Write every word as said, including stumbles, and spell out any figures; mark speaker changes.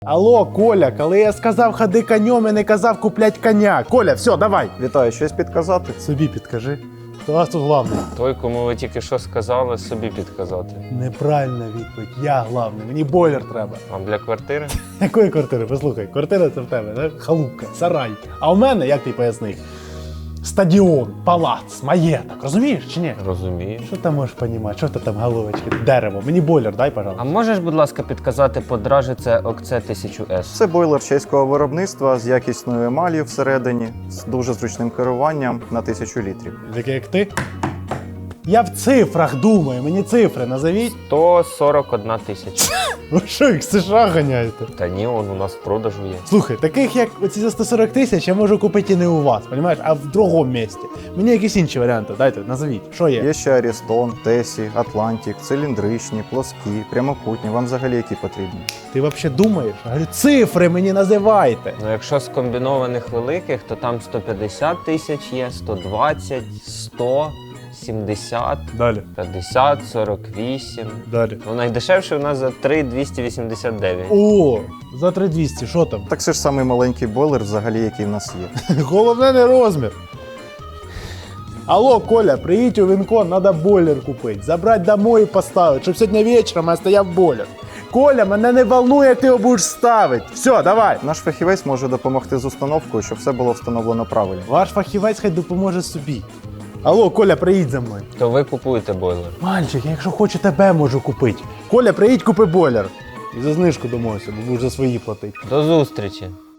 Speaker 1: Алло, Коля, коли я сказав ходи конем, я не казав куплять коня. Коля, все, давай.
Speaker 2: Вітаю, щось підказати?
Speaker 1: Собі підкажи. Хто у вас тут главний?
Speaker 3: Той, кому ви тільки що сказали, собі підказати.
Speaker 1: Неправильна відповідь. Я главний. Мені бойлер треба.
Speaker 3: Вам для квартири?
Speaker 1: Якої квартири? Послухай, квартира це в тебе, так? Халупка, сарай. А у мене, як ти пояснив, стадіон, палац, маєток. Розумієш чи ні?
Speaker 3: Розумію.
Speaker 1: Що ти можеш розуміти? Що ти там головочки? Дерево. Мені бойлер дай,
Speaker 3: А
Speaker 1: пожалуйста.
Speaker 3: можеш, будь ласка, підказати по дражі це ОКЦ тисяча ес?
Speaker 2: Це бойлер чеського виробництва з якісною емаллю всередині, з дуже зручним керуванням на тисячу літрів.
Speaker 1: Такий як ти? Я в цифрах думаю, мені цифри назовіть.
Speaker 3: сто сорок одна тисяча.
Speaker 1: Ви що, їх з США ганяєте?
Speaker 3: Та ні, он у нас в продажу є.
Speaker 1: Слухай, таких як оці за сто сорок тисяч я можу купити і не у вас, розумієш, а в другому місці. Мені якісь інші варіанти, дайте, назовіть, що є?
Speaker 2: Є ще Арістон, Тесі, Атлантик, циліндричні, плоскі, прямокутні. Вам взагалі які потрібні?
Speaker 1: Ти взагалі думаєш? Я говорю, цифри мені називайте.
Speaker 3: Ну, якщо з комбінованих великих, то там сто п'ятдесят тисяч є, сто двадцять, сто, сімдесят,
Speaker 1: Далі,
Speaker 3: п'ятдесят, сорок вісім.
Speaker 1: далі.
Speaker 3: Ну, найдешевше у нас за три тисячі двісті вісімдесят дев'ять.
Speaker 1: О, за три тисячі двісті, що там?
Speaker 2: Так це ж самий маленький бойлер взагалі, який в нас є.
Speaker 1: Головне не розмір. Алло, Коля, приїдь у Вінкон, треба бойлер купити. Забрати домой і поставити, щоб сьогодні вечором я стояв бойлер. Коля, мене не волнує, ти його будеш ставити. Все, давай.
Speaker 2: Наш фахівець може допомогти з установкою, щоб все було встановлено правильно.
Speaker 1: Ваш фахівець хай допоможе собі. Алло, Коля, приїдь за мною.
Speaker 3: То ви купуєте бойлер.
Speaker 1: Мальчик, я якщо хочу, тебе можу купити. Коля, приїдь, купи бойлер. І за знижку домовився, бо будеш за свої платити.
Speaker 3: До зустрічі!